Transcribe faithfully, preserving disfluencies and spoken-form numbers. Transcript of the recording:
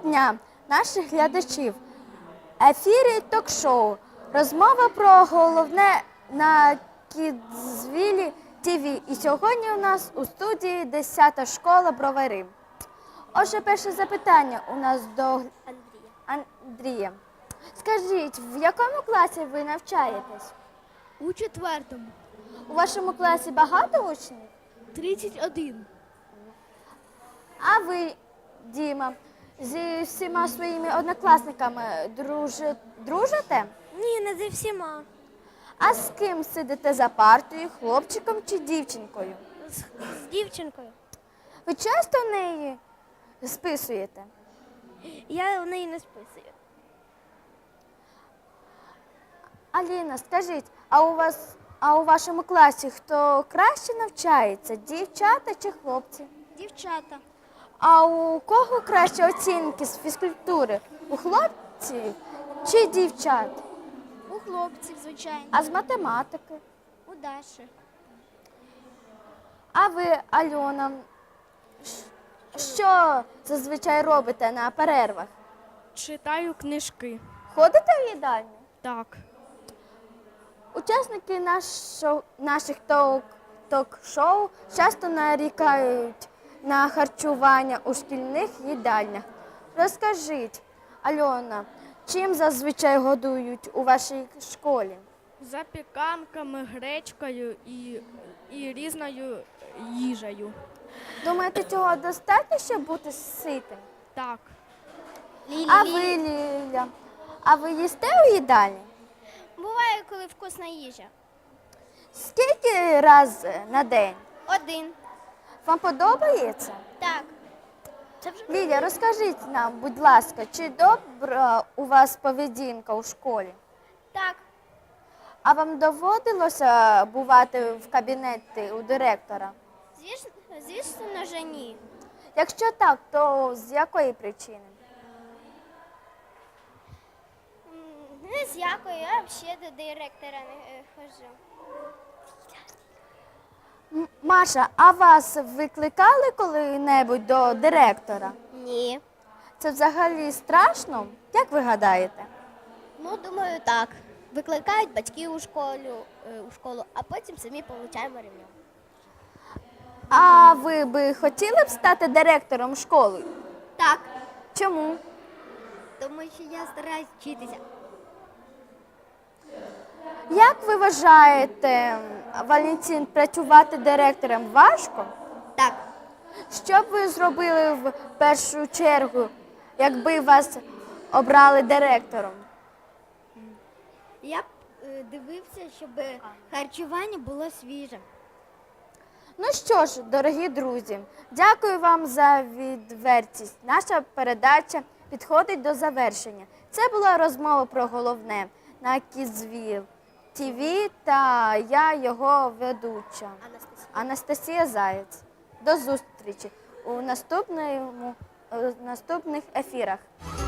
дня наших глядачів. Ефірі ток-шоу. Розмова про головне на Кідзвілі ТВ. І сьогодні у нас у студії десята школа Бровари. Отже, перше запитання у нас до Андрія. Андрія. Скажіть, в якому класі ви навчаєтесь? У четвертому. У вашому класі багато учнів? тридцять один. А ви, Діма, зі всіма своїми однокласниками дружи- дружите? Ні, не зі всіма. А з ким сидите за партою, хлопчиком чи дівчинкою? З, з дівчинкою. Ви часто в неї списуєте? Я в неї не списую. Аліна, скажіть, а у вас, а у вашому класі хто краще навчається, дівчата чи хлопці? Дівчата. А у кого краще оцінки з фізкультури? У хлопців чи дівчат? У хлопців, звичайно. А з математики? У Даші. А ви, Альона, щ- що зазвичай робите на перервах? Читаю книжки. Ходите в їдальню? Так. Учасники нашо- наших ток- ток-шоу часто нарікають на харчування у шкільних їдальнях. Розкажіть, Альона, чим зазвичай годують у вашій школі? Запіканками, гречкою і, і різною їжею. Думаєте, цього достатньо, щоб бути ситим? Так. А ви, Ліля, а ви їсте у їдальні? Буває, коли вкусна їжа. Скільки раз на день? Один. Вам подобається? Так. Це вже Ліля, розкажіть нам, будь ласка, чи добра у вас поведінка у школі? так. А вам доводилося бувати в кабінеті у директора? Звісно, звісно, же ні. Якщо так, то з якої причини? М, Не з якої, я взагалі до директора не е, ходжу. М- Маша, а вас викликали коли-небудь до директора? Ні. Це взагалі страшно? Як ви гадаєте? Ну, думаю, так. Викликають батьки у школу, е, у школу, а потім самі получаємо ремня. А ви би хотіли б стати директором школи? Так. Чому? Тому що я стараюсь вчитися. Як ви вважаєте, Валентин, працювати директором важко? Так. Що б ви зробили в першу чергу, якби вас обрали директором? Я б е, дивився, щоб харчування було свіже. Ну що ж, дорогі друзі, дякую вам за відвертість. Наша передача підходить до завершення. Це була розмова про головне на Кідзвіл ТВ та я, його ведуча Анастасія. Анастасія Заєць. До зустрічі у наступному, у наступних ефірах.